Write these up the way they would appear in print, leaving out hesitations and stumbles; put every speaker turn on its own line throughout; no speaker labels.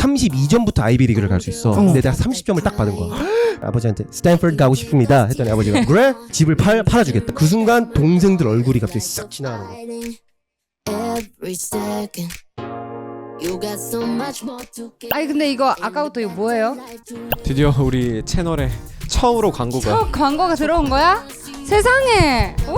32점부터 아이비리그를 갈 수 있어. 근데 내가 30점을 딱 받은 거야. 아버지한테 스탠퍼드 가고 싶습니다 했더니 아버지가 그래? 집을 팔아주겠다. 그 순간 동생들 얼굴이 갑자기 싹 지나가는 거야.
아니 근데 이거 아까부터 이거 뭐예요?
드디어 우리 채널에 처음으로 광고가.
첫 광고가 들어온 거야? 세상에! 와!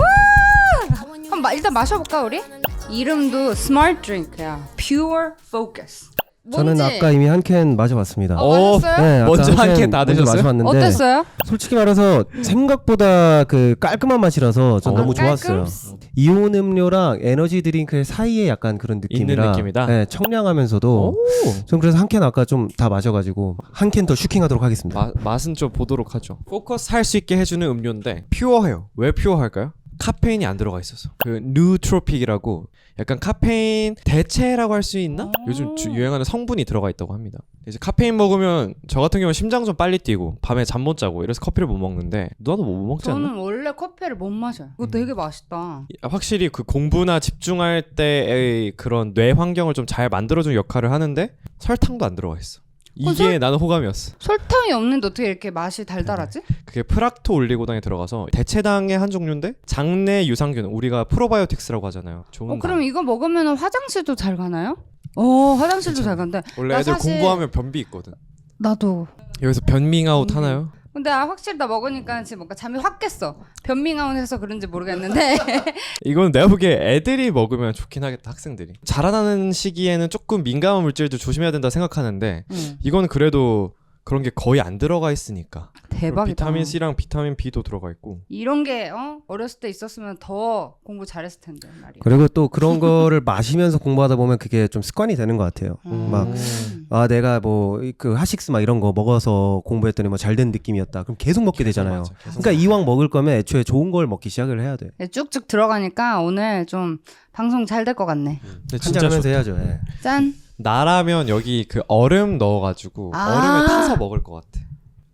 한번 일단 마셔볼까 우리? 이름도 스마트 드링크야. Pure Focus.
저는
뭔지?
아까 이미 한 캔 마셔봤습니다.
마셨어요?
네, 아까
먼저 한 캔 다
먼저
드셨어요?
마셔봤는데
어땠어요?
솔직히 말해서 생각보다 그 깔끔한 맛이라서 전 너무 좋았어요. 이온 음료랑 에너지 드링크 사이에 약간 그런 느낌이라
있는 느낌이다?
네, 청량하면서도 전 그래서 한 캔 아까 좀 다 마셔가지고 한 캔 더 슈킹하도록 하겠습니다.
맛은 좀 보도록 하죠. 포커스 할 수 있게 해주는 음료인데 퓨어해요. 왜 퓨어할까요? 카페인이 안 들어가 있어서. 그 누트로픽이라고 약간 카페인 대체라고 할 수 있나? 요즘 유행하는 성분이 들어가 있다고 합니다. 이제 카페인 먹으면 저 같은 경우는 심장 좀 빨리 뛰고 밤에 잠 못 자고 이래서 커피를 못 먹는데 누나도 못 먹지 않나?
저는 원래 커피를 못 마셔요. 이거 되게 맛있다.
확실히 그 공부나 집중할 때의 그런 뇌 환경을 좀 잘 만들어주는 역할을 하는데 설탕도 안 들어가 있어. 이게 나는 호감이었어.
설탕이 없는데 어떻게 이렇게 맛이 달달하지?
그게 프락토 올리고당이 들어가서 대체당의 한 종류인데 장내 유산균, 우리가 프로바이오틱스라고 하잖아요. 좋은
그럼 이거 먹으면 화장실도 잘 가나요? 화장실도 잘 간대.
원래
나
애들
사실-
공부하면 변비 있거든.
나도.
여기서 변밍아웃 하나요?
근데 확실히 나 먹으니까 지금 뭔가 잠이 확 깼어. 변밍아웃 해서 그런지 모르겠는데.
이건 내가 보기에 애들이 먹으면 좋긴 하겠다. 학생들이 자라나는 시기에는 조금 민감한 물질도 조심해야 된다 생각하는데 이건 그래도 그런 게 거의 안 들어가 있으니까.
대박이다.
비타민 C랑 비타민 B도 들어가 있고.
이런 게 어렸을 때 있었으면 더 공부 잘했을 텐데 말이야.
그리고 또 그런 거를 마시면서 공부하다 보면 그게 좀 습관이 되는 것 같아요. 막 내가 뭐 그 하식스 막 이런 거 먹어서 공부했더니 뭐 잘 된 느낌이었다. 그럼 계속 먹게 되잖아요.
맞아, 계속
그러니까 이왕 먹을 거면 애초에 좋은 걸 먹기 시작을 해야 돼.
쭉쭉 들어가니까 오늘 좀 방송 잘 될 것 같네.
근데
한잔
진짜
하면서
좋다.
해야죠. 예.
짠.
나라면 여기 그 얼음 넣어가지고 얼음에 타서 먹을 것 같아.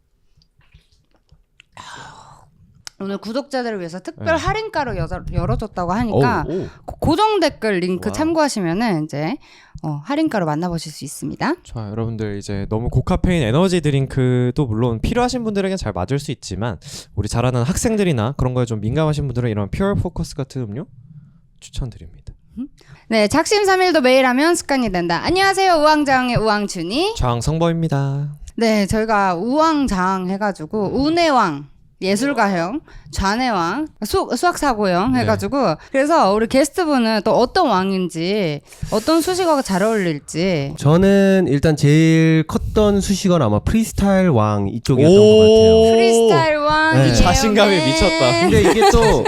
오늘 구독자들을 위해서 특별 할인가로 열어줬다고 하니까 고정 댓글 링크 참고하시면은 이제 할인가로 만나보실 수 있습니다.
자, 여러분들 이제 너무 고카페인 에너지 드링크도 물론 필요하신 분들에겐 잘 맞을 수 있지만 우리 자라는 학생들이나 그런 거에 좀 민감하신 분들은 이런 퓨어 포커스 같은 음료 추천드립니다.
네, 작심삼일도 매일 하면 습관이 된다. 안녕하세요, 우왕좌왕의 우왕준이.
장성범입니다.
네, 저희가 우왕좌왕 해가지고 운해왕 예술가형, 좌뇌왕, 수학사고형 해가지고 그래서 우리 게스트분은 또 어떤 왕인지 어떤 수식어가 잘 어울릴지.
저는 일단 제일 컸던 수식어는 아마 프리스타일 왕 이쪽이었던 것 같아요.
프리스타일 왕.
네.
자신감이 미쳤다.
근데 이게 또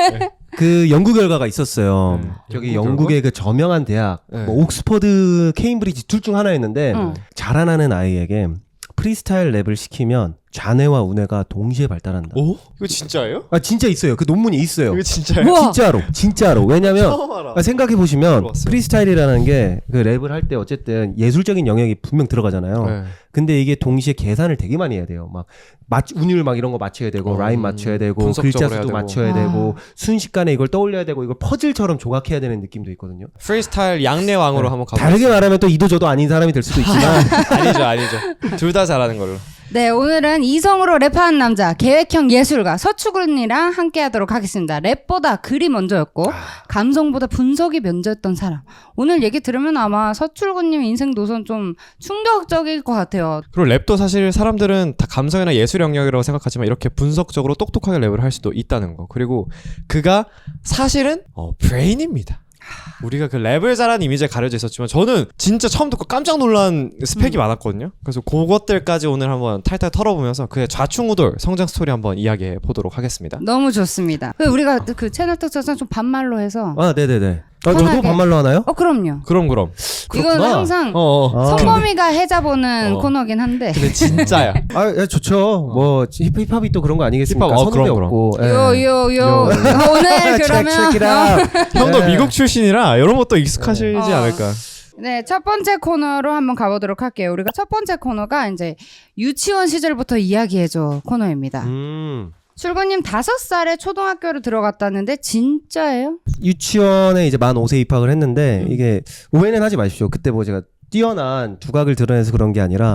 그 연구 결과가 있었어요. 저기
연구
영국의 그 저명한 대학,
네.
뭐 옥스퍼드, 케임브리지 둘 중 하나였는데 자라나는 아이에게 프리스타일 랩을 시키면 좌뇌와 우뇌가 동시에 발달한다.
오? 이거 진짜예요?
아 진짜 있어요. 그 논문이 있어요.
이거 진짜예요?
우와.
진짜로. 왜냐면
처음 알아.
생각해 보시면
들어봤어요.
프리스타일이라는 게 그 랩을 할 때 어쨌든 예술적인 영역이 분명 들어가잖아요.
네.
근데 이게 동시에 계산을 되게 많이 해야 돼요. 막 운율 막 이런 거 맞춰야 되고 라임 맞춰야 되고
분석적으로
글자
해야
수도
되고.
맞춰야 되고 순식간에 이걸 떠올려야 되고 이걸 퍼즐처럼 조각해야 되는 느낌도 있거든요.
프리스타일 양내 왕으로 한번 가보겠습니다.
다르게 말하면 또 이도 저도 아닌 사람이 될 수도 있지만
아니죠. 둘 다 잘하는 걸로.
네, 오늘은 이성으로 랩하는 남자, 계획형 예술가 서추군이랑 함께 하도록 하겠습니다. 랩보다 글이 먼저였고 감성보다 분석이 먼저였던 사람. 오늘 얘기 들으면 아마 서출군님 인생 노선 좀 충격적일 것 같아요.
그리고 랩도 사실 사람들은 다 감성이나 예술 영역이라고 생각하지만 이렇게 분석적으로 똑똑하게 랩을 할 수도 있다는 거. 그리고 그가 사실은 브레인입니다. 우리가 그 랩을 잘하는 이미지에 가려져 있었지만 저는 진짜 처음 듣고 깜짝 놀란 스펙이 많았거든요. 그래서 그것들까지 오늘 한번 탈탈 털어보면서 그의 좌충우돌 성장 스토리 한번 이야기해 보도록 하겠습니다.
너무 좋습니다. 우리가 그 채널 특성상 좀 반말로 해서
아 네네네. 저도
편하게.
반말로 하나요?
그럼요.
그럼
이건 항상
아.
성범이가 해자보는 코너긴 한데
근데 진짜야.
아 좋죠. 뭐 힙합이 또 그런 거 아니겠습니까?
힙합,
선후배
그럼.
없고. 예.
요요요 오늘 그러면
형도
네.
미국 출신이라 이런 것도 익숙하시지 않을까.
네, 첫 번째 코너로 한번 가보도록 할게요. 우리가 첫 번째 코너가 이제 유치원 시절부터 이야기해줘 코너입니다. 출구님 5살에 초등학교를 들어갔다는데 진짜예요?
유치원에 이제 만 5세 입학을 했는데 이게 오해는 하지 마십시오. 그때 뭐 제가 뛰어난 두각을 드러내서 그런 게 아니라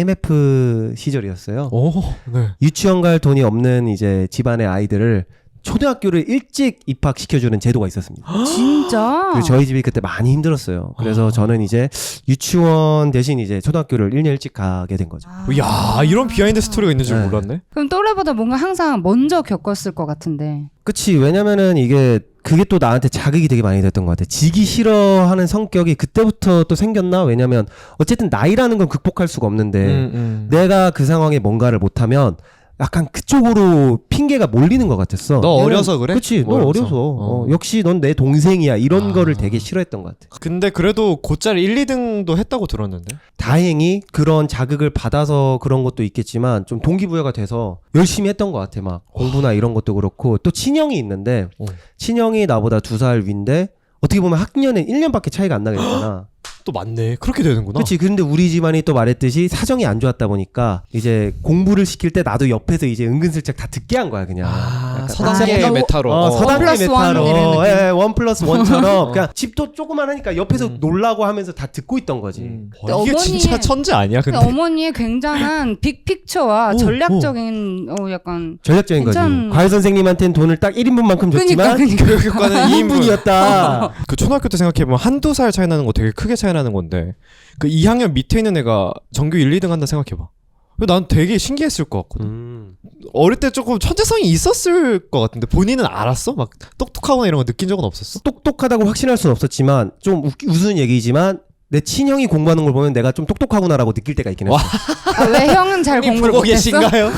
IMF 시절이었어요.
오, 네.
유치원 갈 돈이 없는 이제 집안의 아이들을 초등학교를 일찍 입학시켜주는 제도가 있었습니다.
진짜?
그래서 저희 집이 그때 많이 힘들었어요. 그래서 저는 이제 유치원 대신 이제 초등학교를 1년 일찍 가게 된 거죠.
야, 이런 비하인드 스토리가 있는 줄
네.
몰랐네.
그럼 또래보다 뭔가 항상 먼저 겪었을 것 같은데.
그치. 왜냐면은 이게 그게 또 나한테 자극이 되게 많이 됐던 것 같아. 지기 싫어하는 성격이 그때부터 또 생겼나? 왜냐면 어쨌든 나이라는 건 극복할 수가 없는데 내가 그 상황에 뭔가를 못하면 약간 그쪽으로 핑계가 몰리는 것 같았어.
너 어려서 그래?
그치. 너
뭐
어려서.
어.
역시 넌 내 동생이야. 이런 거를 되게 싫어했던 것 같아.
근데 그래도 곧잘 1, 2등도 했다고 들었는데.
다행히 그런 자극을 받아서 그런 것도 있겠지만 좀 동기부여가 돼서 열심히 했던 것 같아. 막 공부나 이런 것도 그렇고 또 친형이 있는데 친형이 나보다 2살 위인데 어떻게 보면 학년은 1년밖에 차이가 안 나게 됐잖아.
또 맞네. 그렇게 되는구나.
그렇지. 근데 우리 집안이 또 말했듯이 사정이 안 좋았다 보니까 이제 공부를 시킬 때 나도 옆에서 이제 은근슬쩍 다 듣게 한 거야 그냥. 약간
서당계
약간
메타로.
서당계
1+1 이런
메타로.
느낌.
예, 1+1처럼 그냥 집도 조그만하니까 옆에서 놀라고 하면서 다 듣고 있던 거지.
와, 이게
어머니의-
진짜 천재 아니야? 근데.
어머니의 굉장한 빅픽처와
오,
전략적인 약간
전략적인 거지.
괜찮-
과외 선생님한테는 돈을 딱 1인분만큼 줬지만
그니까.
교육과는
2인분이었다.
그 초등학교 때 생각해보면 한두 살 차이 나는 거 되게 크게 차이 나는 건데 그 2학년 밑에 있는 애가 전교 1, 2등 한다 생각해봐. 난 되게 신기했을 것 같거든. 어릴 때 조금 천재성이 있었을 것 같은데 본인은 알았어? 막 똑똑하거나 이런 거 느낀 적은 없었어?
똑똑하다고 확신할 수는 없었지만 좀 웃은 얘기지만 내 친형이 공부하는 걸 보면 내가 좀 똑똑하구나라고 느낄 때가 있긴 했어.
와.
왜 형은 잘 공부를
보고
못했어?
계신가요?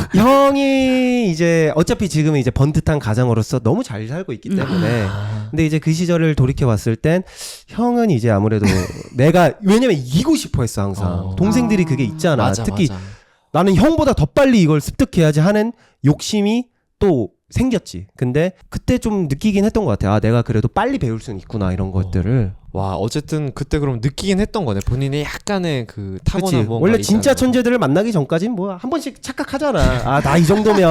형이 이제 어차피 지금은 이제 번듯한 가장으로서 너무 잘 살고 있기 때문에 근데 이제 그 시절을 돌이켜 봤을 땐 형은 이제 아무래도 내가 왜냐면 이기고 싶어 했어 항상. 동생들이 그게 있잖아.
맞아,
특히
맞아.
나는 형보다 더 빨리 이걸 습득해야지 하는 욕심이 또 생겼지. 근데 그때 좀 느끼긴 했던 것 같아. 아, 내가 그래도 빨리 배울 수는 있구나 이런 것들을.
와, 어쨌든 그때 그럼 느끼긴 했던 거네. 본인의 약간의 그 타고난
그치.
뭔가
원래 진짜
있다는 거.
천재들을 만나기 전까진 뭐 한 번씩 착각하잖아. 아, 나 이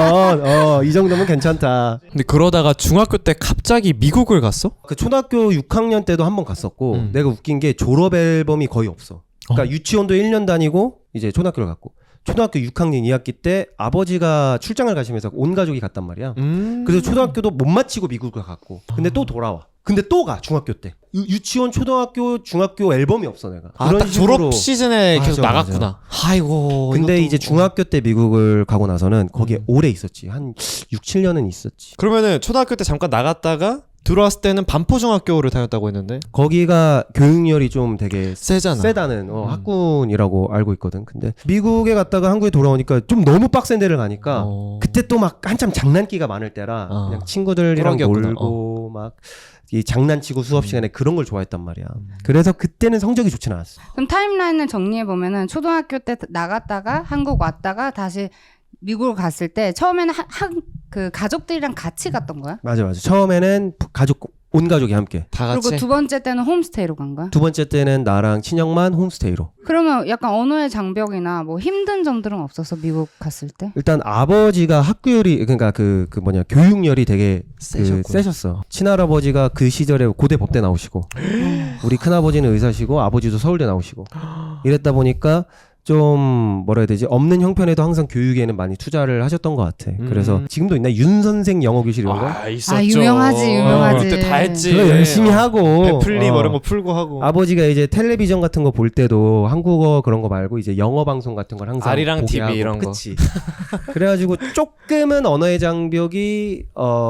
정도면 이 정도면 괜찮다.
근데 그러다가 중학교 때 갑자기 미국을 갔어?
그 초등학교 6학년 때도 한 번 갔었고 내가 웃긴 게 졸업 앨범이 거의 없어. 그러니까 유치원도 1년 다니고 이제 초등학교를 갔고 초등학교 6학년 2학기 때 아버지가 출장을 가시면서 온 가족이 갔단 말이야. 그래서 초등학교도 못 마치고 미국을 갔고 근데 또 돌아와. 근데 또 가 중학교 때 유치원 초등학교 중학교 앨범이 없어 내가.
딱 졸업 시즌에 계속
맞아,
나갔구나. 아이고.
근데
이것도-
이제 중학교 때 미국을 가고 나서는 거기에 오래 있었지. 한 6, 7년은 있었지.
그러면은 초등학교 때 잠깐 나갔다가 들어왔을 때는 반포중학교를 다녔다고 했는데
거기가 교육열이 좀 되게
세잖아.
세다는 학군이라고 알고 있거든. 근데 미국에 갔다가 한국에 돌아오니까 좀 너무 빡센 데를 가니까 그때 또 막 한참 장난기가 많을 때라 그냥 친구들이랑
꾸러기였구나.
놀고 막 이 장난치고 수업 시간에 그런 걸 좋아했단 말이야. 그래서 그때는 성적이 좋진 않았어.
그럼 타임라인을 정리해 보면은 초등학교 때 나갔다가 한국 왔다가 다시 미국을 갔을 때 처음에는 그 가족들이랑 같이 갔던 거야?
맞아. 처음에는 온 가족이 함께.
다 같이.
그리고 두 번째 때는 홈스테이로 간 거야?
두 번째 때는 나랑 친형만 홈스테이로.
그러면 약간 언어의 장벽이나 뭐 힘든 점들은 없었어 미국 갔을 때?
일단 아버지가 학구열이 그러니까 그 교육열이 되게 세셨어. 친할아버지가 그 시절에 고대 법대 나오시고 우리 큰아버지는 의사시고 아버지도 서울대 나오시고 이랬다 보니까 좀 뭐라 해야 되지 없는 형편에도 항상 교육에는 많이 투자를 하셨던 것 같아. 그래서 지금도 있나 윤 선생 영어 교실 이런 거?
있었죠.
유명하지.
그때 다 했지.
그거 열심히 하고
베플리 뭐 이런 거 풀고 하고.
아버지가 이제 텔레비전 같은 거 볼 때도 한국어 그런 거 말고 이제 영어 방송 같은 걸 항상
아리랑
보게
TV
하고.
이런 거.
그치. 그래가지고 조금은 언어의 장벽이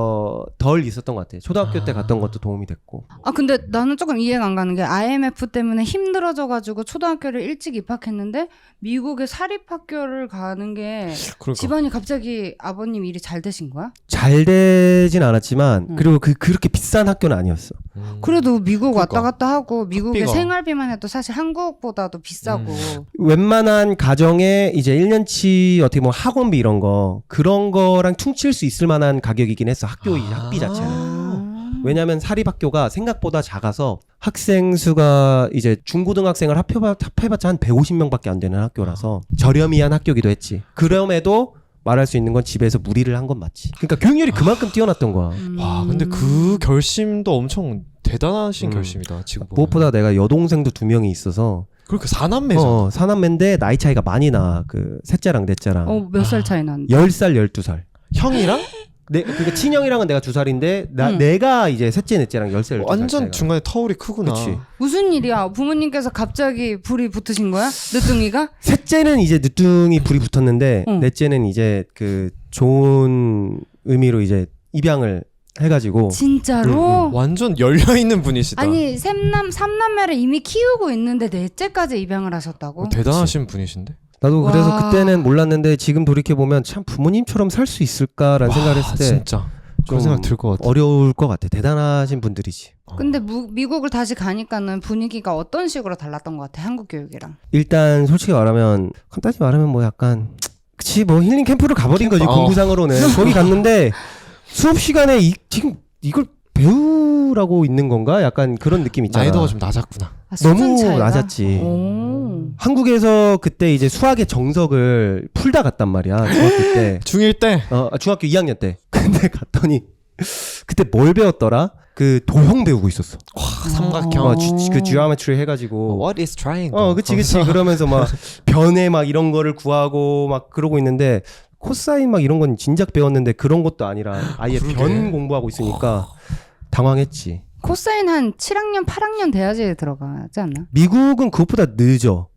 덜 있었던 것 같아. 초등학교 때 갔던 것도 도움이 됐고.
아 근데 나는 조금 이해가 안 가는 게 IMF 때문에 힘들어져가지고 초등학교를 일찍 입학했는데 미국의 사립학교를 가는 게
그러니까.
집안이 갑자기 아버님 일이 잘 되신 거야?
잘 되진 않았지만 그리고 그렇게 비싼 학교는 아니었어.
그래도 미국
그러니까.
왔다 갔다 하고 미국의
학비가.
생활비만 해도 사실 한국보다도 비싸고
웬만한 가정에 이제 1년치 어떻게 보면 학원비 이런 거 그런 거랑 퉁칠 수 있을 만한 가격이긴 했어. 학비 자체는. 왜냐면 사립학교가 생각보다 작아서 학생 수가 이제 중고등학생을 합해봤자 한 150명밖에 안 되는 학교라서 저렴이한 학교기도 했지. 그럼에도 말할 수 있는 건 집에서 무리를 한 건 맞지. 그러니까 교육열이 그만큼 뛰어났던 거야.
와, 근데 그 결심도 엄청 대단하신 결심이다. 지금 보면.
무엇보다 내가 여동생도 2명이 있어서
그렇게 사남매죠.
사남매인데 나이 차이가 많이 나. 그 셋째랑 넷째랑.
몇 살 차이 나는데?
10살, 12살.
형이랑
그러니까 친형이랑은 내가 2살인데 내가 이제 셋째, 넷째랑 10살, 12살.
완전 중간에 터울이 크구나.
그치.
무슨 일이야? 부모님께서 갑자기 불이 붙으신 거야? 늦둥이가?
셋째는 이제 늦둥이 불이 붙었는데 넷째는 이제 그 좋은 의미로 이제 입양을 해가지고
진짜로?
완전 열려 있는 분이시다.
아니 삼남매를 이미 키우고 있는데 넷째까지 입양을 하셨다고?
대단하신 분이신데.
나도 그래서
와.
그때는 몰랐는데 지금 돌이켜 보면 참 부모님처럼 살 수 있을까라는 생각을 했을 때
진짜 그런 생각 들 것 같아.
어려울 것 같아. 대단하신 분들이지.
근데 미국을 다시 가니까는 분위기가 어떤 식으로 달랐던 것 같아? 한국 교육이랑.
일단 솔직히 말하면 간단히 말하면 뭐 약간 그치 뭐 힐링 캠프를 가버린 거지 공부상으로는. 거기 갔는데 수업 시간에 지금 이걸 배우라고 있는 건가? 약간 그런 느낌 있잖아.
나이도가 좀 낮았구나.
너무
차이가?
낮았지.
오.
한국에서 그때 이제 수학의 정석을 풀다 갔단 말이야. 중학교 때.
중1 때
중학교 2학년 때. 근데 갔더니 그때 뭘 배웠더라? 그 도형 배우고 있었어.
삼각형.
그 geometry 해가지고.
What is triangle?
그치. 그러면서 막 변에 막 이런 거를 구하고 막 그러고 있는데 코사인 막 이런 건 진작 배웠는데 그런 것도 아니라 아예 변 공부하고 있으니까 당황했지.
코사인 한 7학년, 8학년 돼야지 들어가지 않나?
미국은 그것보다 늦어.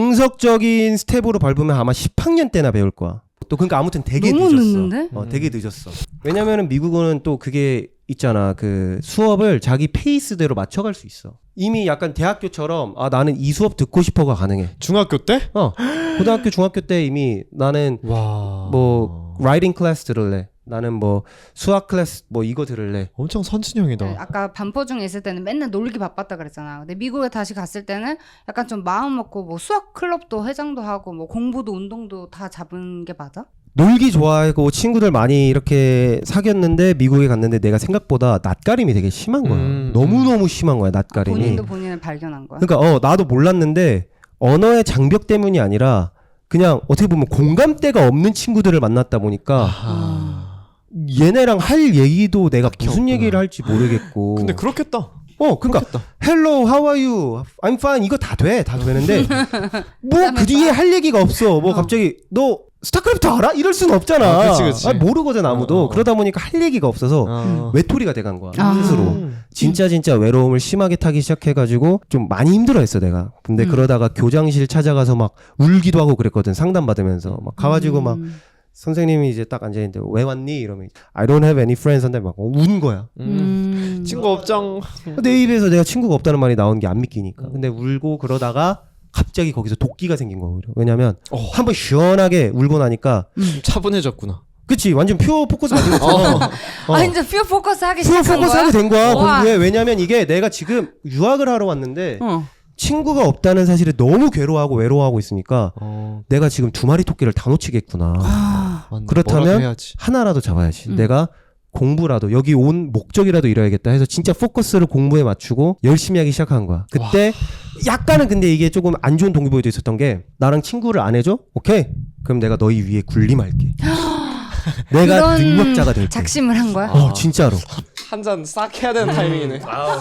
정석적인 스텝으로 밟으면 아마 10학년 때나 배울 거야. 또 그러니까 아무튼 되게
너무
늦었어.
늦는데?
되게 늦었어. 왜냐면은 미국은 또 그게 있잖아. 그 수업을 자기 페이스대로 맞춰갈 수 있어. 이미 약간 대학교처럼 나는 이 수업 듣고 싶어가 가능해.
중학교 때?
고등학교, 중학교 때 이미 나는
와.
뭐 라이팅 클래스 들을래. 나는 뭐 수학 클래스 뭐 이거 들을래.
엄청 선진형이다.
네, 아까 반포 중에 있을 때는 맨날 놀기 바빴다 그랬잖아. 근데 미국에 다시 갔을 때는 약간 좀 마음 먹고 뭐 수학 클럽도 회장도 하고 뭐 공부도 운동도 다 잡은 게 맞아?
놀기 좋아하고 친구들 많이 이렇게 사귀었는데 미국에 갔는데 내가 생각보다 낯가림이 되게 심한 거야. 너무너무 심한 거야, 낯가림이.
본인도 본인을 발견한 거야?
그러니까 나도 몰랐는데 언어의 장벽 때문이 아니라 그냥 어떻게 보면 공감대가 없는 친구들을 만났다 보니까 얘네랑 할 얘기도 내가 무슨
없구나.
얘기를 할지 모르겠고.
근데 그렇겠다.
그러니까 Hello, how are you? I'm fine. 이거 다 되는데 뭐 그 뒤에 할 얘기가 없어. 뭐 갑자기 너 스타크래프트 알아? 이럴 수는 없잖아.
그치.
모르거든 아무도. 그러다 보니까 할 얘기가 없어서 외톨이가 돼간 거야. 스스로. 진짜 외로움을 심하게 타기 시작해가지고 좀 많이 힘들어했어 내가. 근데 그러다가 교장실 찾아가서 막 울기도 하고 그랬거든. 상담 받으면서 막 가가지고 막 선생님이 이제 딱 앉아있는데 왜 왔니? 이러면 I don't have any friends 한다면 막 운 거야.
친구 업장.
내 입에서 내가 친구가 없다는 말이 나온 게 안 믿기니까. 근데 울고 그러다가 갑자기 거기서 도끼가 생긴 거야. 왜냐면 한번 시원하게 울고 나니까
차분해졌구나.
그치 완전 퓨어 포커스 맞은 것처럼
이제 퓨어 포커스 하기
퓨어
시작한
포커스
거야?
하게 된 거야
우와.
공부에. 왜냐면 이게 내가 지금 유학을 하러 왔는데 친구가 없다는 사실에 너무 괴로워하고 외로워하고 있으니까 내가 지금 2마리 토끼를 다 놓치겠구나.
맞네.
그렇다면
뭐라도 해야지.
하나라도 잡아야지. 내가 공부라도 여기 온 목적이라도 이뤄야겠다 해서 진짜 포커스를 공부에 맞추고 열심히 하기 시작한 거야. 그때 약간은 근데 이게 조금 안 좋은 동기부여도 있었던 게 나랑 친구를 안 해줘? 오케이. 그럼 내가 너희 위에 군림할게. 내가
그런
능력자가 될게.
작심을 한 거야?
진짜로.
한 잔 싹 해야 되는 타이밍이네.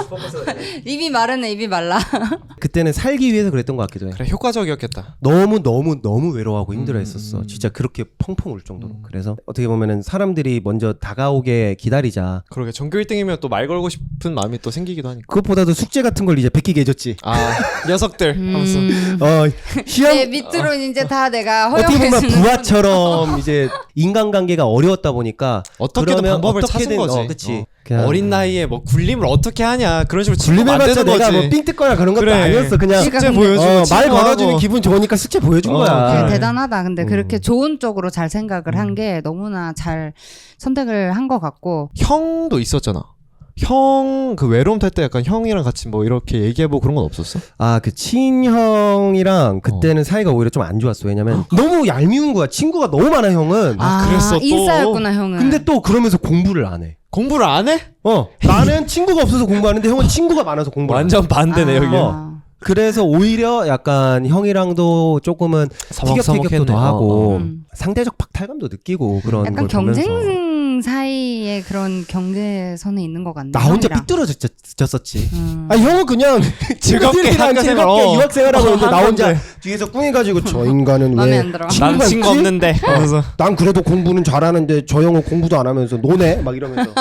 입이 마르네, 입이 말라.
그때는 살기 위해서 그랬던 것 같기도 해.
그래 효과적이었겠다.
너무 외로워하고 힘들어했었어. 진짜 그렇게 펑펑 울 정도로. 그래서 어떻게 보면은 사람들이 먼저 다가오게 기다리자.
그러게 전교 1등이면 또 말 걸고 싶은 마음이 또 생기기도 하니까.
그것보다도 숙제 같은 걸 이제 베끼게 해줬지.
녀석들 하면서.
시험
내 밑으로 이제 다 내가
어떻게 보면
허용해주는
부하처럼 이제 인간관계가 어려웠다 보니까
어떻게든
그러면
방법을
어떻게든,
찾은 거지.
그치.
어린 나이에 뭐 굴림을 어떻게 하냐 그런 식으로
굴림해봤자 내가 뭐 삥 뜯거나 그런 것도
그래.
아니었어. 그냥
숙제
숙제
근데-
보여주고
말
친구하고.
걸어주면 기분 좋으니까 숙제 보여준 거야.
그래, 대단하다. 근데 그렇게 좋은 쪽으로 잘 생각을 한 게 너무나 잘 선택을 한 것 같고.
형도 있었잖아. 형 그 외로움 탈 때 약간 형이랑 같이 뭐 이렇게 얘기해보고 그런 건 없었어?
그 친형이랑 그때는 사이가 오히려 좀 안 좋았어. 왜냐면 너무 얄미운 거야. 친구가 너무 많아 형은.
그랬어, 또?
인싸였구나 형은.
근데 또 그러면서 공부를 안 해.
공부를 안 해?
나는 친구가 없어서 공부하는데 형은 친구가 많아서 공부를 안 해.
완전 반대네 여기.
그래서 오히려 약간 형이랑도 조금은 티격태격도 더 하고 상대적 박탈감도 느끼고 그런
약간
걸 보면서.
경쟁 동생 사이에 그런 경계선에 있는 것 같네.
나 혼자
형이랑.
삐뚤어졌었지.
음.
아 형은 그냥
즐겁게 학교 생활,
즐겁게 유학생활하고 있는데 나
한
혼자
건데.
뒤에서 꿍해가지고 저 인간은
맘에
왜
안 들어.
난
친구가
친구
있지?
없는데. 그래서
난 그래도 공부는 잘하는데 저 형은 공부도 안 하면서 노네 막 이러면서.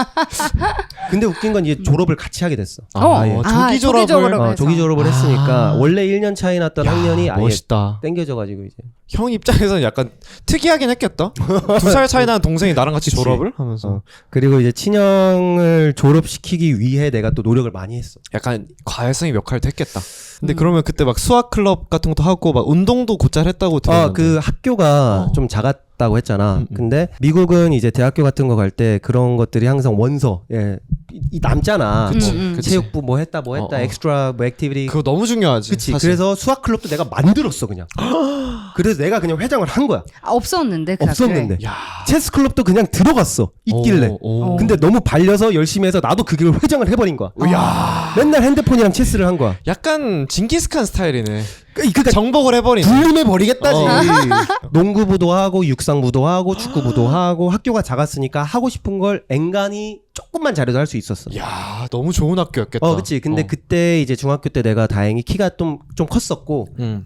근데 웃긴 건 이제 졸업을 같이 하게 됐어.
조기 졸업을.
졸업을
조기 졸업을 했으니까
아.
원래 1년 차이 났던 학년이 아예
멋있다.
땡겨져가지고 이제.
형 입장에서는 약간 특이하긴 했겠다. 2살 차이 나는 동생이 나랑 같이
그치.
졸업을 하면서
어. 그리고 이제 친형을 졸업시키기 위해 내가 또 노력을 많이 했어.
약간 과외성이 몇 할도 했겠다. 근데 그러면 그때 막 수학 클럽 같은 것도 하고 막 운동도 곧잘 했다고 들었는데.
그 학교가 좀 작았다고 했잖아. 근데 미국은 이제 대학교 같은 거 갈 때 그런 것들이 항상 원서 이 남잖아.
그치,
뭐
그치.
체육부 뭐 했다 엑스트라 뭐 액티비티.
그거 너무 중요하지.
그치.
사실.
그래서 수학 클럽도 내가 만들었어 그냥. 그래서 내가 그냥 회장을 한 거야.
없었는데 그
없었는데.
학교에.
야.
체스 클럽도 그냥 들어갔어. 있길래.
오.
근데 너무 발려서 열심히 해서 나도 그 길을 회장을 해버린 거야.
야.
맨날 핸드폰이랑 체스를 한 거야.
약간 징기스칸 스타일이네.
그러니까
정복을 해버리네.
불륜해 버리겠다지.
어.
농구부도 하고 육상부도 하고 축구부도 하고 학교가 작았으니까 하고 싶은 걸 앵간히 조금만 잘해도 할 수 있었어.
야, 너무 좋은 학교였겠다.
그치. 근데 그때 이제 중학교 때 내가 다행히 키가 좀 컸었고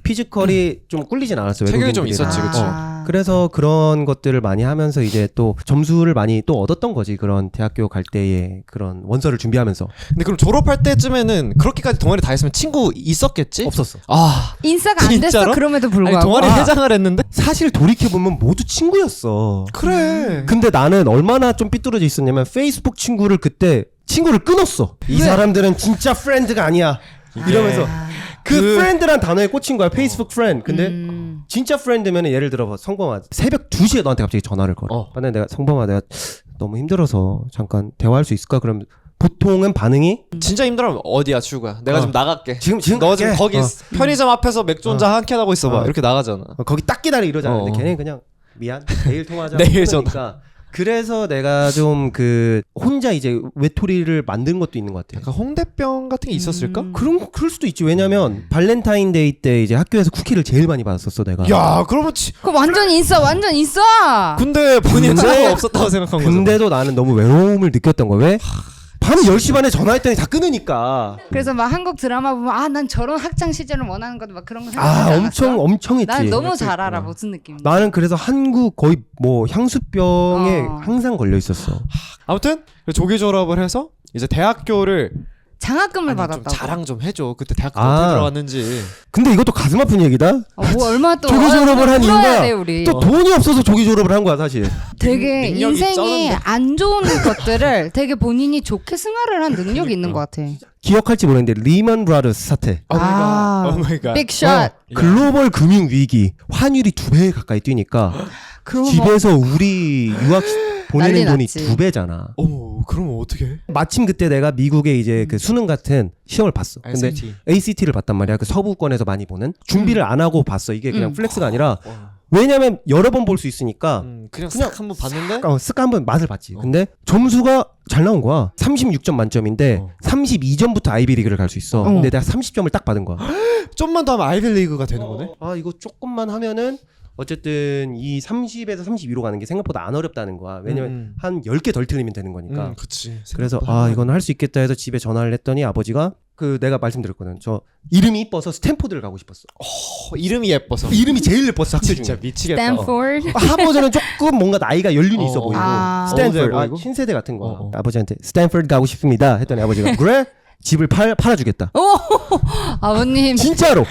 피지컬이 좀 꿀리진 않았어.
체격이 좀
외국인들이랑.
있었지, 그치.
그래서 그런 것들을 많이 하면서 이제 또 점수를 많이 또 얻었던 거지. 그런 대학교 갈 때의 그런 원서를 준비하면서.
근데 그럼 졸업할 때쯤에는 그렇게까지 동아리 다 했으면 친구 있었겠지?
없었어.
아,
인싸가 안 됐어.
진짜로?
그럼에도
아니
불구하고.
동아리 회장을 했는데?
사실 돌이켜보면 모두 친구였어.
그래.
근데 나는 얼마나 좀 삐뚤어져 있었냐면 페이스북 친구를 그때 친구를 끊었어. 이 사람들은 진짜 프렌드가 아니야. 이러면서 그 프렌드란 단어에 꽂힌 거야. 페이스북 프렌드. 근데 진짜 프렌드면 예를 들어 성범아 새벽 2시에 너한테 갑자기 전화를 걸어. 근데 내가 성범아 내가 너무 힘들어서 잠깐 대화할 수 있을까? 그럼 보통은 반응이
진짜 힘들어하면 어디야 출구야? 내가 좀 나갈게.
지금
너 지금
갈게.
거기 편의점 앞에서 맥주 혼자 한 캔 하고 있어봐. 이렇게 나가잖아.
거기 딱 기다려 이러잖아. 근데
어.
걔는 그냥 미안 내일 통화하자.
내일
끊으니까. 그래서 내가 좀 그 혼자 이제 외톨이를 만든 것도 있는 것 같아.
약간 홍대병 같은 게 있었을까?
그럴 수도 있지. 왜냐면 발렌타인데이 때 이제 학교에서 쿠키를 제일 많이 받았었어 내가.
야, 그러면
그거 완전 있어. 완전 있어.
근데 본인은 상관 없었다고 생각한 거죠.
근데도 나는 너무 외로움을 느꼈던 거야. 왜? 밤 10시 반에 전화했더니 다 끊으니까.
그래서 막 한국 드라마 보면 난 저런 학창 시절을 원하는 것도 막 그런 거 생각하지 않았어?
엄청 했지.
난 너무 잘 알아 무슨 느낌인지.
나는 그래서 한국 거의 뭐 향수병에 항상 걸려 있었어.
아무튼 조기 졸업을 해서 이제 대학교를
장학금을
아니, 좀
받았다고.
자랑 좀 해줘. 그때 대학교 어떻게 들어갔는지.
근데 이것도 가슴 아픈 얘기다.
뭐 얼마 또
조기 졸업을 한
풀어야
이유가
돼, 우리.
또 돈이 없어서 조기 졸업을 한 거야 사실.
되게
능력이
인생이
쩌는데.
안 좋은 것들을 되게 본인이 좋게 승화를 한 능력이 있는 것 같아.
기억할지 모르겠는데 리먼 브라더스 사태.
오 마이 갓.
빅샷.
글로벌 금융 위기, 환율이 2배 가까이 뛰니까
그럼 뭐
집에서 우리 유학 보내는
난리
돈이
났지.
2배잖아.
어머, 그러면 어떻게?
마침 그때 내가 미국에 이제 그 수능 같은 시험을 봤어. 근데
SAT.
ACT를 봤단 말이야. 그 서부권에서 많이 보는. 준비를 안 하고 봤어. 이게 그냥 플렉스가 아니라
와.
왜냐면 여러 번 볼 수 있으니까
그냥 싹 한번 봤는데
쓱 한번 맛을 봤지. 근데 점수가 잘 나온 거야. 36점 만점인데 32점부터 아이비리그를 갈 수 있어. 근데 내가 30점을 딱 받은 거야.
좀만 더 하면 아이빌리그가 되는 거네.
아 이거 조금만 하면은 어쨌든 이 30에서 32로 가는 게 생각보다 안 어렵다는 거야. 왜냐면 한 10개 덜 틀리면 되는 거니까.
그치.
그래서 이건 할 수 있겠다 해서 집에 전화를 했더니 아버지가 그 내가 말씀드렸거든. 저 이름이 이뻐서 스탠포드를 가고 싶었어.
이름이 예뻐서.
이름이 제일 예뻤어 학교 중에.
진짜 미치겠다.
스탠포드.
하버드는 조금 뭔가 나이가 연륜이 있어 보이고 스탠포드
어제 보이고?
신세대 같은 거. 아버지한테 스탠포드 가고 싶습니다 했더니 아버지가 그래? 집을 팔아주겠다.
아버님.
진짜로.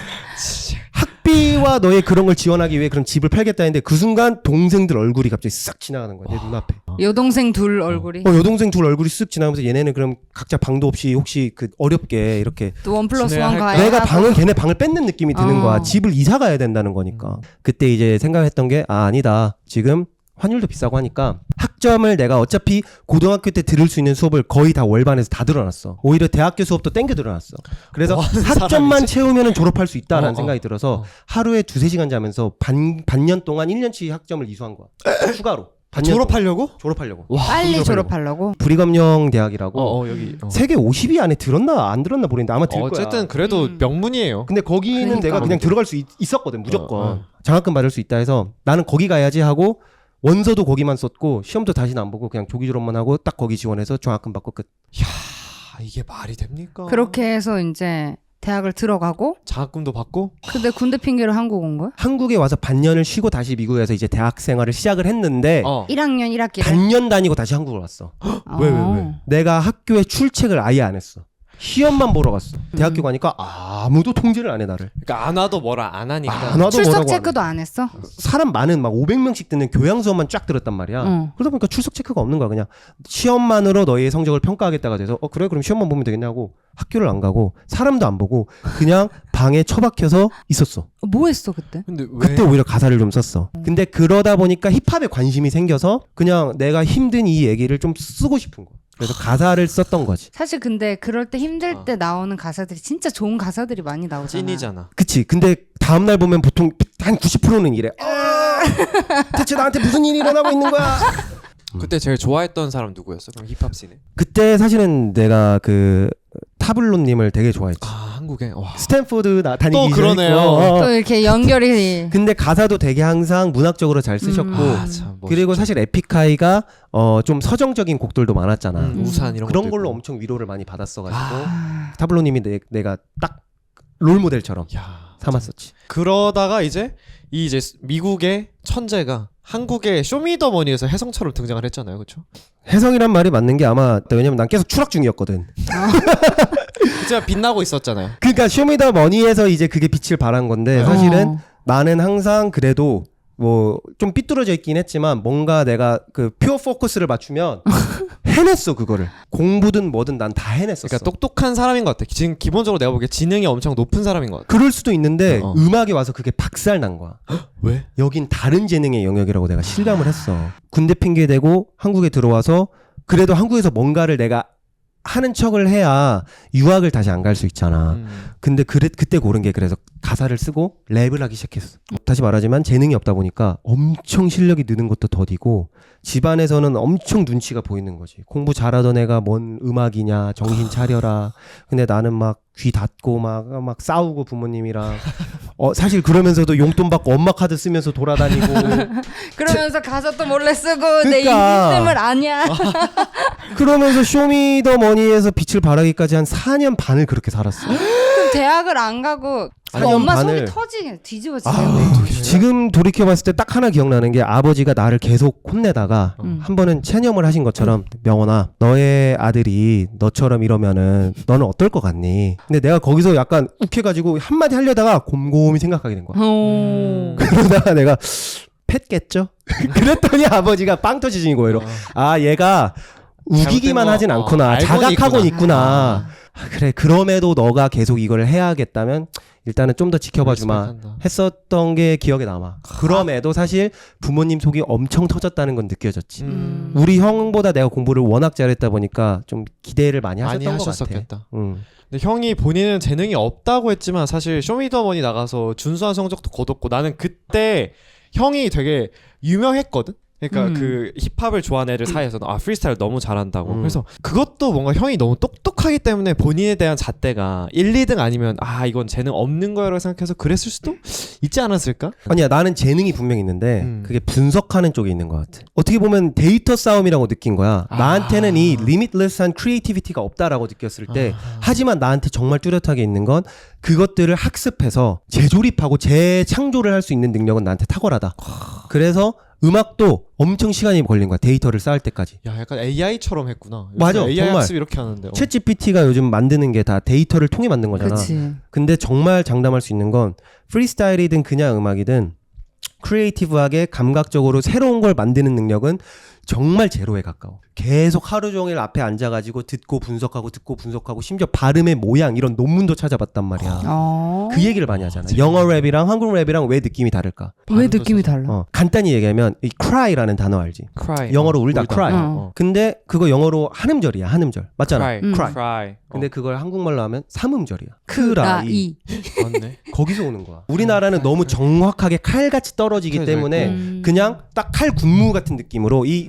학비와 너의 그런 걸 지원하기 위해 그런 집을 팔겠다 했는데 그 순간 동생들 얼굴이 갑자기 싹 지나가는 거야. 내 눈앞에.
여동생 둘 얼굴이.
여동생 둘 얼굴이 쓱 지나가면서 얘네는 그럼 각자 방도 없이 혹시 그 어렵게 이렇게
또 1+1
지내야 할
가야
내가
하고.
방을 걔네 방을 뺏는 느낌이 드는 거야.
어.
집을 이사 가야 된다는 거니까. 그때 이제 생각했던 게 아니다. 지금 환율도 비싸고 하니까 학점을 내가 어차피 고등학교 때 들을 수 있는 수업을 거의 다 월반에서 다 들어놨어. 오히려 대학교 수업도 땡겨 들어놨어. 그래서 학점만 채우면 졸업할 수 있다라는 생각이 들어서 하루에 2-3시간 자면서 반년 동안 1년치 학점을 이수한 거야. 추가로. 반년
졸업하려고?
동안. 졸업하려고.
와,
빨리 졸업하려고.
불이검령 대학이라고
여기.
세계 50위 안에 들었나 안 들었나 모르겠는데 아마 들 거야.
어쨌든 그래도 명문이에요.
근데 거기는
그러니까.
내가 그냥 들어갈 수 있었거든 무조건. 장학금 받을 수 있다 해서 나는 거기 가야지 하고 원서도 거기만 썼고 시험도 다시는 안 보고 그냥 조기 졸업만 하고 딱 거기 지원해서 장학금 받고 끝.
아, 이게 말이 됩니까?
그렇게 해서 이제 대학을 들어가고
장학금도 받고
근데 군대 핑계로 한국 온 거야?
한국에 와서 반년을 쉬고 다시 미국에서 이제 대학 생활을 시작을 했는데
1학년 1학기를
반년 다니고 다시 한국을 왔어.
왜?
내가 학교에 출첵을 아예 안 했어. 시험만 보러 갔어. 대학교 가니까 아무도 통제를 안 해 나를.
그러니까 안 와도 뭐라 안 하니까.
안 와도
출석
뭐라고 안 해.
체크도 안 했어?
사람 많은 막 500명씩 듣는 교양 수업만 쫙 들었단 말이야. 그러다 보니까 출석 체크가 없는 거야. 그냥 시험만으로 너희의 성적을 평가하겠다가 돼서 그래 그럼 시험만 보면 되겠냐고 학교를 안 가고 사람도 안 보고 그냥 방에 처박혀서 있었어.
뭐 했어 그때?
근데 왜?
그때 오히려 가사를 좀 썼어. 근데 그러다 보니까 힙합에 관심이 생겨서 그냥 내가 힘든 이 얘기를 좀 쓰고 싶은 거야. 그래서 가사를 썼던 거지.
사실 근데 그럴 때 힘들 때 나오는 가사들이 진짜 좋은 가사들이 많이 나오잖아.
찐이잖아.
그치. 근데 다음날 보면 보통 한 90%는 이래. 대체 나한테 무슨 일이 일어나고 있는 거야?
그때 제일 좋아했던 사람 누구였어? 그럼 힙합 씬에.
그때 사실은 내가 그 타블로님을 되게 좋아했지.
아, 한국에. 와.
스탠포드 다니기
또 그러네요.
또 이렇게 연결이
근데 가사도 되게 항상 문학적으로 잘 쓰셨고
아, 참 멋있다.
그리고 사실 에픽하이가 좀 서정적인 곡들도 많았잖아.
우산 이런
그런
것도
걸로
있고.
엄청 위로를 많이 받았어가지고
아,
타블로님이 내가 딱 롤모델처럼
야.
삼았었지.
그러다가 이제 이 이제 미국의 천재가 한국의 쇼미더머니에서 혜성처럼 등장을 했잖아요, 그렇죠?
혜성이란 말이 맞는 게 아마 왜냐면 난 계속 추락 중이었거든.
진짜 빛나고 있었잖아요.
그러니까 쇼미더머니에서 이제 그게 빛을 발한 건데 사실은
어.
나는 항상 그래도 뭐 좀 삐뚤어져 있긴 했지만 뭔가 내가 그 퓨어 포커스를 맞추면 해냈어 그거를. 공부든 뭐든 난 다 해냈었어.
그러니까 똑똑한 사람인 것 같아. 지금 기본적으로 내가 보기에 지능이 엄청 높은 사람인 것 같아.
그럴 수도 있는데
어.
음악에 와서 그게 박살 난 거야.
왜?
여긴 다른 재능의 영역이라고 내가 실감을 했어. 군대 핑계 대고 한국에 들어와서 그래도 한국에서 뭔가를 내가 하는 척을 해야 유학을 다시 안 갈 수 있잖아. 근데 그때 고른 게 그래서 가사를 쓰고 랩을 하기 시작했어. 다시 말하지만 재능이 없다 보니까 엄청 실력이 느는 것도 더디고 집안에서는 엄청 눈치가 보이는 거지. 공부 잘하던 애가 뭔 음악이냐 정신 차려라. 근데 나는 막 귀 닫고 막 싸우고 부모님이랑 사실 그러면서도 용돈 받고 엄마 카드 쓰면서 돌아다니고
그러면서 가사 또 몰래 쓰고 내
그러니까.
인생을 아냐.
그러면서 쇼미더머니에서 빛을 발하기까지 한 4년 반을 그렇게 살았어.
그럼 대학을 안 가고 그
4년
엄마
반을.
속이 터지게 뒤집어지겠네.
지금 돌이켜봤을 때 딱 하나 기억나는 게 아버지가 나를 계속 혼내다가 한 번은 체념을 하신 것처럼 명원아 너의 아들이 너처럼 이러면은 너는 어떨 것 같니? 근데 내가 거기서 약간 욱해가지고 한마디 하려다가 곰곰이 생각하게 된 거야. 그러다가 내가 팻겠죠? 그랬더니 아버지가 빵 터지신 거예요. 아 얘가 우기기만
잘못된 거,
하진 않구나.
알고는
자각하고는 있구나.
아.
그래 그럼에도 너가 계속 이걸 해야겠다면 일단은 좀 더 지켜봐 주마
리스펙한다.
했었던 게 기억에 남아. 그럼에도 사실 부모님 속이 엄청 터졌다는 건 느껴졌지. 우리 형보다 내가 공부를 워낙 잘했다 보니까 좀 기대를 많이
많이
하셨던 것 같아.
하셨었겠다. 근데 형이 본인은 재능이 없다고 했지만 사실 쇼미더머니 나가서 준수한 성적도 거뒀고 나는 그때 형이 되게 유명했거든. 그러니까 그 힙합을 좋아하는 애들 사이에서는 아 프리스타일 너무 잘한다고. 그래서 그것도 뭔가 형이 너무 똑똑하기 때문에 본인에 대한 잣대가 1, 2등 아니면 아 이건 재능 없는 거라고 생각해서 그랬을 수도 있지 않았을까?
아니야 나는 재능이 분명히 있는데 그게 분석하는 쪽에 있는 것 같아. 어떻게 보면 데이터 싸움이라고 느낀 거야. 나한테는 이 리미트리스한 크리에이티비티가 없다라고 느꼈을 때 하지만 나한테 정말 뚜렷하게 있는 건 그것들을 학습해서 재조립하고 재창조를 할 수 있는 능력은 나한테 탁월하다. 그래서 음악도 엄청 시간이 걸린 거야. 데이터를 쌓을 때까지.
야 약간 AI처럼 했구나.
맞아,
AI
정말.
학습 이렇게 하는데.
챗 GPT가 요즘 만드는 게 다 데이터를 통해 만든 거잖아.
그치.
근데 정말 장담할 수 있는 건 프리스타일이든 그냥 음악이든 크리에이티브하게 감각적으로 새로운 걸 만드는 능력은 정말 제로에 가까워. 계속 하루 종일 앞에 앉아가지고 듣고 분석하고 심지어 발음의 모양 이런 논문도 찾아봤단 말이야. 그 얘기를 많이 하잖아. 영어 랩이랑 한국 랩이랑 왜 느낌이 다를까?
왜 느낌이 달라?
간단히 얘기하면 이 cry라는 단어 알지?
cry.
영어로 울다 cry.
어.
근데 그거 영어로 한 음절이야. 한 음절. 맞잖아.
cry.
cry. 근데 그걸 한국말로 하면 3음절이야. 크라이.
맞네.
거기서 오는 거야. 우리나라는 너무 정확하게 칼같이 떨어지기
그래,
때문에
음.
그냥 딱 칼 군무 같은 느낌으로 이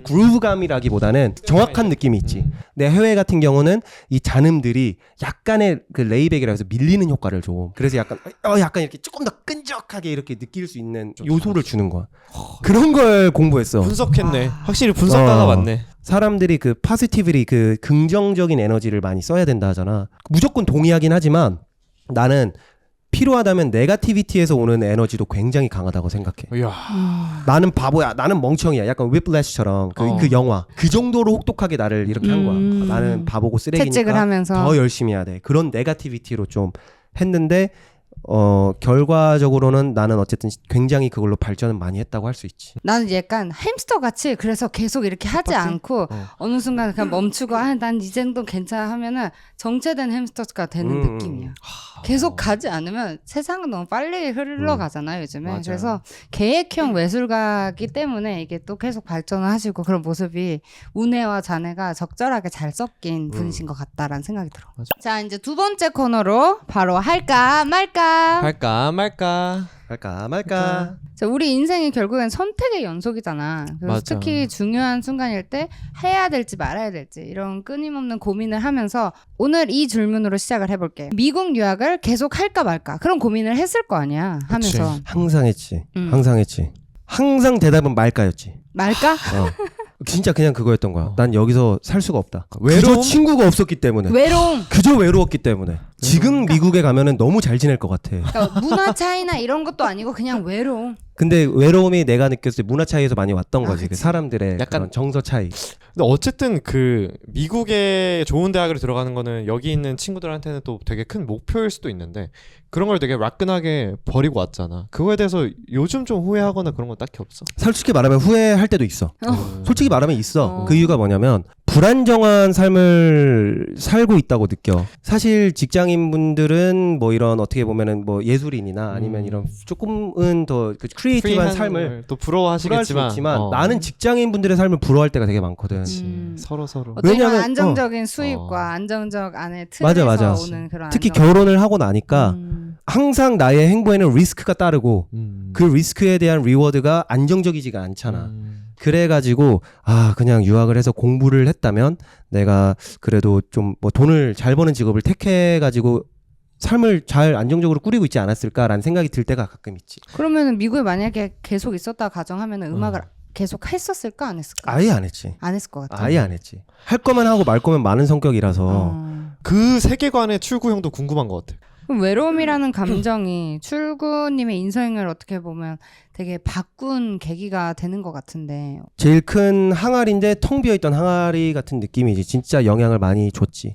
그루브감이라기보다는 정확한 느낌이 있지. 내 해외 같은 경우는 이 잔음들이 약간의 그 레이백이라 해서 밀리는 효과를 줘. 그래서 약간 약간 이렇게 조금 더 끈적하게 이렇게 느낄 수 있는 요소를 주는 거야. 그런 걸 공부했어.
분석했네. 확실히 분석가가 맞네.
사람들이 그 포지티브리 그 긍정적인 에너지를 많이 써야 된다 하잖아. 무조건 동의하긴 하지만 나는 필요하다면 네거티비티에서 오는 에너지도 굉장히 강하다고 생각해.
이야.
나는 바보야. 나는 멍청이야. 약간 whiplash처럼 그 영화. 그 정도로 혹독하게 나를 이렇게 한 거야. 나는 바보고
채찍을
쓰레기니까
하면서.
더 열심히 해야 돼. 그런 네거티비티로 좀 했는데 결과적으로는 나는 어쨌든 굉장히 그걸로 발전을 많이 했다고 할 수 있지.
나는 약간 햄스터 같이 그래서 계속 이렇게 하지 않고 어느 순간 그냥 멈추고 난 이 정도 괜찮아 하면은 정체된 햄스터가 되는 느낌이야. 계속 가지 않으면 세상은 너무 빨리 흘러가잖아요 요즘에.
맞아.
그래서 계획형 외술가기 때문에 이게 또 계속 발전을 하시고 그런 모습이 운해와 잔해가 적절하게 잘 섞인 분이신 것 같다라는 생각이 들어.
맞아.
자 이제 두 번째 코너로 바로 할까 말까.
할까 말까.
할까 말까.
자, 우리 인생이 결국엔 선택의 연속이잖아. 그래서
맞아.
특히 중요한 순간일 때 해야 될지 말아야 될지 이런 끊임없는 고민을 하면서 오늘 이 질문으로 시작을 해볼게. 미국 유학을 계속 할까 말까 그런 고민을 했을 거 아니야 하면서.
그치.
항상 했지. 항상 했지. 항상 대답은 말까였지.
말까?
진짜 그냥 그거였던 거야. 난 여기서 살 수가 없다.
외로움?
그저 친구가 없었기 때문에.
외로움.
그저 외로웠기 때문에. 지금 미국에 가면은 너무 잘 지낼 것 같아.
그러니까 문화 차이나 이런 것도 아니고 그냥 외로움.
근데 외로움이 내가 느꼈을 때 문화 차이에서 많이 왔던
아,
거지. 그
그치.
사람들의
약간
그런 정서 차이.
근데 어쨌든 그 미국에 좋은 대학을 들어가는 거는 여기 있는 친구들한테는 또 되게 큰 목표일 수도 있는데 그런 걸 되게 라끈하게 버리고 왔잖아. 그거에 대해서 요즘 좀 후회하거나 그런 건 딱히 없어.
솔직히 말하면 후회할 때도 있어. 솔직히 말하면 있어.
어.
그 이유가 뭐냐면 불안정한 삶을 살고 있다고 느껴. 사실 직장인분들은 뭐 이런 어떻게 보면은 뭐 예술인이나 아니면 이런 조금은 더 그 크리에이티브한 삶을
또
부러워할 수
부러워하시겠지만
있지만 나는 직장인분들의 삶을 부러워할 때가 되게 많거든.
서로
어떤
왜냐면,
안정적인 수입과 안정적 안에
맞아,
틀에서
맞아.
오는 그런
특히
안정.
결혼을 하고 나니까 항상 나의 행보에는 리스크가 따르고 그 리스크에 대한 리워드가 안정적이지가 않잖아. 그래가지고 그냥 유학을 해서 공부를 했다면 내가 그래도 좀 뭐 돈을 잘 버는 직업을 택해가지고 삶을 잘 안정적으로 꾸리고 있지 않았을까라는 생각이 들 때가 가끔 있지.
그러면은 미국에 만약에 계속 있었다 가정하면은 음악을 계속 했었을까 안 했을까?
아예 안 했지.
안 했을 것 같아.
아예 안 했지. 할 거면 하고 말 거면 많은 성격이라서.
그 세계관의 출구형도 궁금한 것 같아.
그럼 외로움이라는 감정이 출구님의 인생을 어떻게 보면 되게 바꾼 계기가 되는 것 같은데.
제일 큰 항아리인데 텅 비어있던 항아리 같은 느낌이지. 진짜 영향을 많이 줬지.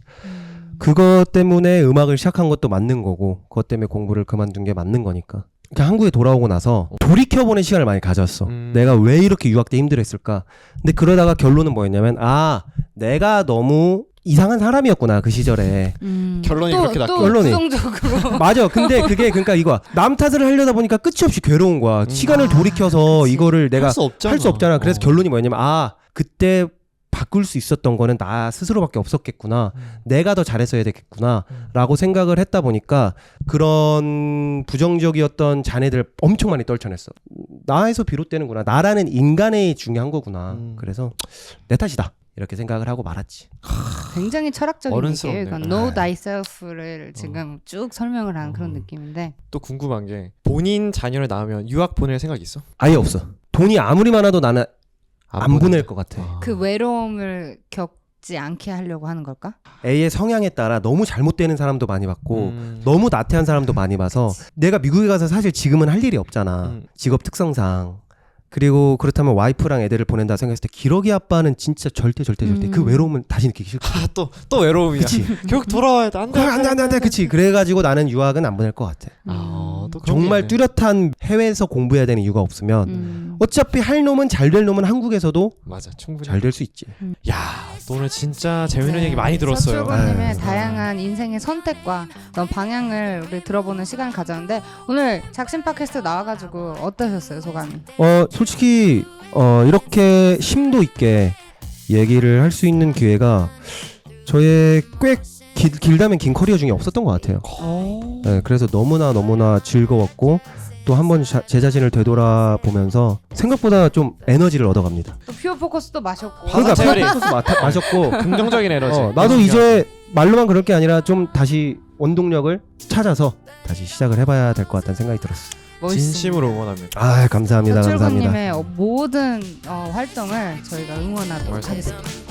그것 때문에 음악을 시작한 것도 맞는 거고 그것 때문에 공부를 그만둔 게 맞는 거니까. 그러니까 한국에 돌아오고 나서 돌이켜보는 시간을 많이 가졌어. 내가 왜 이렇게 유학 때 힘들었을까. 근데 그러다가 결론은 뭐였냐면 내가 너무 이상한 사람이었구나 그 시절에.
결론이 그렇게 났고.
결론이.
부정적으로.
맞아. 근데 그게 그러니까 이거야. 남 탓을 하려다 보니까 끝이 없이 괴로운 거야. 시간을 돌이켜서
그치.
이거를 내가
할 수 없잖아.
할 수 없잖아. 그래서 결론이 뭐였냐면 그때 바꿀 수 있었던 거는 나 스스로밖에 없었겠구나. 내가 더 잘했어야 되겠구나. 라고 생각을 했다 보니까 그런 부정적이었던 잔해들 엄청 많이 떨쳐냈어. 나에서 비롯되는구나. 나라는 인간이 중요한 거구나. 그래서 내 탓이다. 이렇게 생각을 하고 말았지.
굉장히 철학적인
어른스럽네.
얘기예요. 이건 know thyself를 지금 쭉 설명을 한 그런 느낌인데.
또 궁금한 게 본인 자녀를 낳으면 유학 보낼 생각 있어?
아예 없어. 돈이 아무리 많아도 나는 안 보낼 것 같아.
그 외로움을 겪지 않게 하려고 하는 걸까?
A의 성향에 따라 너무 잘못되는 사람도 많이 봤고 너무 나태한 사람도 많이 봐서 내가 미국에 가서 사실 지금은 할 일이 없잖아. 직업 특성상. 그리고 그렇다면 와이프랑 애들을 보낸다 생각했을 때 기러기 아빠는 진짜 절대 그 외로움을 다시 느끼기 싫고.
또 외로움이야.
그치.
결국 돌아와야 돼.
안돼 그치. 그래가지고 나는 유학은 안 보낼 것 같아.
또 그런
정말
게 있네.
뚜렷한 해외에서 공부해야 되는 이유가 없으면 어차피 할 놈은 잘 될 놈은 한국에서도
맞아, 충분히
잘 될 수 있지.
야, 또 오늘 진짜 재밌는 얘기 많이 들었어요.
서출구님의
아유.
다양한 인생의 선택과 어떤 방향을 우리 들어보는 시간을 가졌는데 오늘 작심 팟캐스트 나와가지고 어떠셨어요 소감이?
솔직히 이렇게 심도 있게 얘기를 할 수 있는 기회가 저의 꽤 길다면 긴 커리어 중에 없었던 것 같아요. 네, 그래서 너무나 즐거웠고 또 한 번 제 자신을 되돌아보면서 생각보다 좀 에너지를 얻어갑니다.
또 퓨어 포커스도 마셨고.
그러니까 체어링.
마셨고
긍정적인 에너지.
나도 이제 말로만 그럴 게 아니라 좀 다시 원동력을 찾아서 다시 시작을 해봐야 될 것 같다는 생각이 들었어.
멋있습니다.
진심으로 응원합니다.
감사합니다. 감사합니다.
서출구님의 모든 활동을 저희가 응원하도록
멋있습니다.
하겠습니다.